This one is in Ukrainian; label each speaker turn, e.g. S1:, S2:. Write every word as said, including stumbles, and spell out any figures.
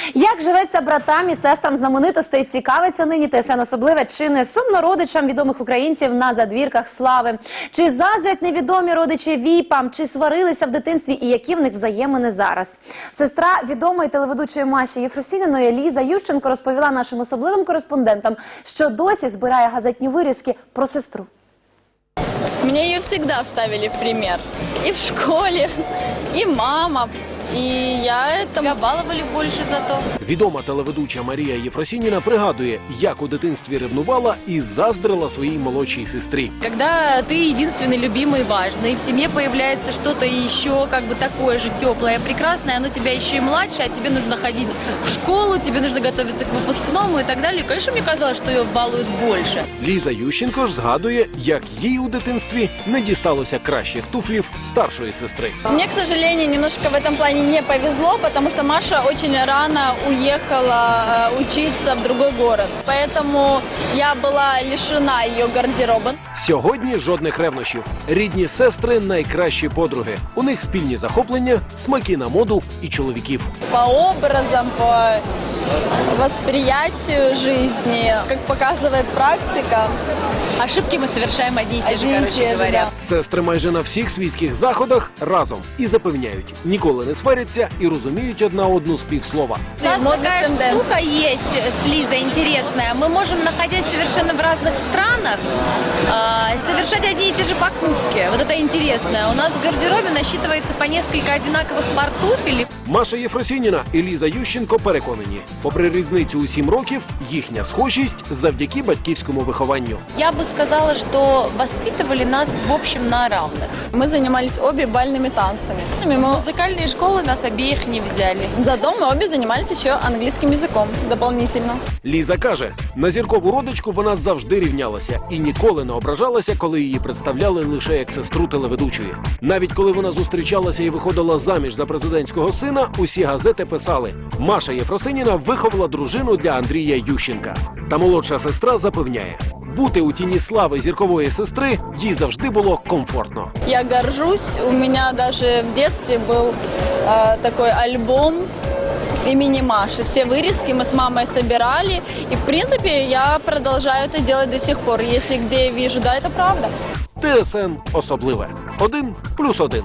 S1: Як живеться братам і сестрам знаменитостей, цікавиться нині ТСН особливе, чи не сумно родичам відомих українців на задвірках слави? Чи заздрять невідомі родичі віпам? Чи сварилися в дитинстві і які в них взаємини зараз? Сестра відомої телеведучої Маші Єфросініної Ліза Ющенко розповіла нашим особливим кореспондентам, що досі збирає газетні вирізки про сестру.
S2: Меня ее всегда ставили в пример. И в школе, и мама. І я это балували більше за то.
S3: Відома телеведуча Марія Єфросініна пригадує, як у дитинстві ревнувала і заздрила своїй молодшій сестрі.
S2: Когда ты единственный, любимый, важный, и в семье появляется что-то еще как бы такое же теплое, прекрасное, оно тебя еще и младше, а тебе нужно ходить в школу, тебе нужно готовиться к выпускному и так далее. Конечно, мне казалось, что ее балуют больше.
S3: Ліза Ющенко ж згадує, як їй у дитинстві не дісталося кращих туфлів старшої сестри.
S2: Мне, к сожалению, немножко в этом плане не повезло, потому что Маша очень рано уехала учиться в другой город. Поэтому я была лишена ее гардероба.
S3: Сьогодні жодних ревнощів. Рідні сестри – найкращі подруги. У них спільні захоплення, смаки на моду і чоловіків.
S2: По образам, по восприятию жизни, как показывает практика, ошибки мы совершаем одни и те же, короче говоря.
S3: Сестри майже на всіх світських заходах разом і запевняють, ніколи не сваряться і розуміють одна одну з півслова.
S2: У нас такая штука есть с Лизой интересная. Мы можем, находясь совершенно в разных странах, совершать одни и те же покупки. Вот это интересно. У нас в гардеробе насчитывается по несколько одинаковых пар туфель.
S3: Маша Єфросініна і Ліза Ющенко переконані, попри різницю у сім років, їхня схожість завдяки батьківському вихованню.
S2: Я бы сказала, что воспитывали нас в общем на равных. Мы занимались обе бальными танцами. Мы музыкальные школы нас обеих не взяли. Зато мы обе занимались еще английским языком дополнительно.
S3: Ліза каже, на зіркову родичку вона завжди рівнялася і ніколи не ображалася, коли її представляли лише як сестру телеведучої. Навіть коли вона зустрічалася і виходила заміж за президентського сина, усі газети писали: Маша Єфросініна виховала дружину для Андрія Ющенка. Та молодша сестра запевняє, бути у тіні слави зіркової сестри їй завжди було комфортно.
S2: Я горжусь, у меня даже в детстве был э, такой альбом имени Маши. Все вырезки мы с мамой собирали, и в принципе я продолжаю это делать до сих пор. Если где я вижу, да, это правда.
S3: ТСН особливе. Один плюс один.